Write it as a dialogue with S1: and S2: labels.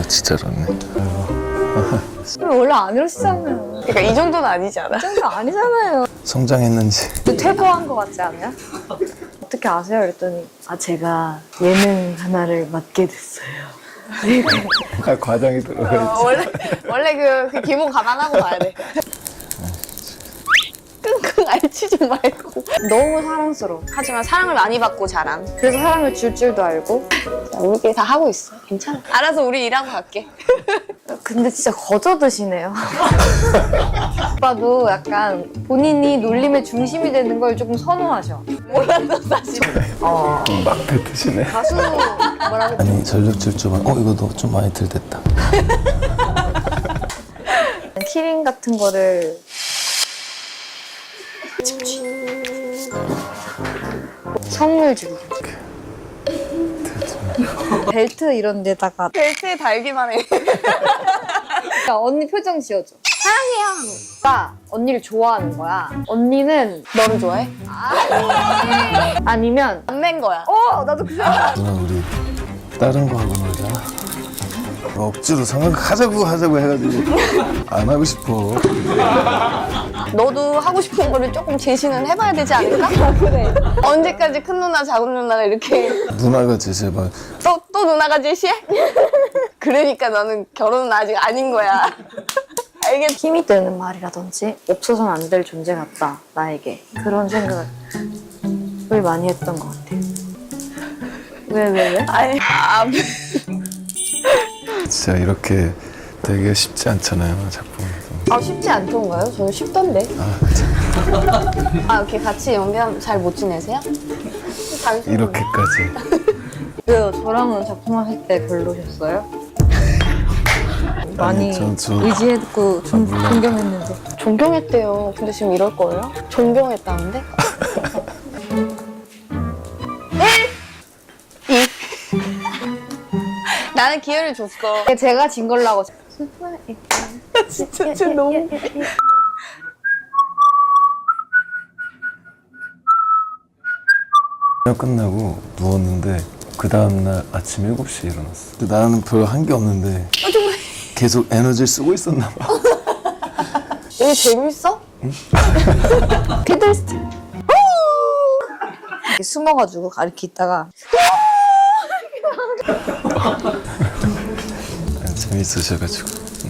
S1: 진짜로네.
S2: 원래 안 이러시잖아요.
S3: 그러니까 이 정도는 아니지 않아?
S2: 이 정도 아니잖아요.
S1: 성장했는지.
S2: 퇴보한 것 같지 않아요? 어떻게 아세요? 그랬더니 제가 예능 하나를 맡게 됐어요.
S1: 과장이 들어가.
S3: 원래 그 기본 감안하고 가야 돼. 끙끙 앓지 좀 말고.
S2: 너무 사랑스러워.
S3: 하지만 사랑을 많이 받고 자란.
S2: 그래서 사랑을 줄 줄도 알고.
S3: 자, 우리끼리 다 하고 있어. 괜찮아. 알아서 우리 일하고 갈게.
S2: 근데 진짜 거저드시네요. 오빠도 약간 본인이 놀림의 중심이 되는 걸 조금 선호하셔.
S3: 몰랐어 사실.
S1: 막 뱉으시네.
S2: 가수 뭐라고?
S1: 아니 전력 질주만. 이거 너 좀 많이 들댔다.
S2: 키링 같은 거를 선물 주기. 벨트 이런 데다가
S3: 벨트에 달기만 해.
S2: 야, 언니 표정 지어줘. 사랑해요. 나 언니를 좋아하는 거야. 언니는
S3: 너를 좋아해?
S2: 아니면
S3: 안 낸 거야.
S2: 나도 그 생각.
S1: 누나 우리 다른 거 하고 놀자. 억지로 하자고 해가지고 안 하고 싶어.
S3: 너도 하고 싶은 거를 조금 제시는 해봐야 되지 않을까?
S2: 그래.
S3: 언제까지 큰 누나 작은 누나가 이렇게
S1: 누나가 제발.
S3: 또 누나가 제시해? 그러니까 너는 결혼은 아직 아닌 거야. 알겠지?
S2: 힘이 되는 말이라든지 없어서는 안 될 존재 같다 나에게 그런 생각을 많이 했던 것 같아요. 왜?
S3: 아니
S1: 진짜 이렇게 되게 쉽지 않잖아요 작품에서.
S3: 쉽지 않던가요? 저는 쉽던데. 이렇게 같이 연기하면 잘 못 지내세요? 단순히.
S1: 이렇게까지.
S2: 왜요? 저랑은 작품하실 때 별로셨어요? 많이
S1: 전
S2: 의지했고
S1: 물론.
S2: 존경했는데.
S3: 존경했대요. 근데 지금 이럴 거예요? 존경했다는데? 1, 2. 나는 기회를 줬어.
S2: 제가 진 걸로 하고
S3: 진짜 너무.
S1: 끝나고 누웠는데 그 다음날 아침 7시에 일어났어. 근데 나는 별로 한 게 없는데 계속 에너지를 쓰고 있었나 봐.
S3: 이게 재밌어?
S2: 피들스틱 이렇게 숨어가지고 이렇게 있다가
S1: 재밌으셔가지고.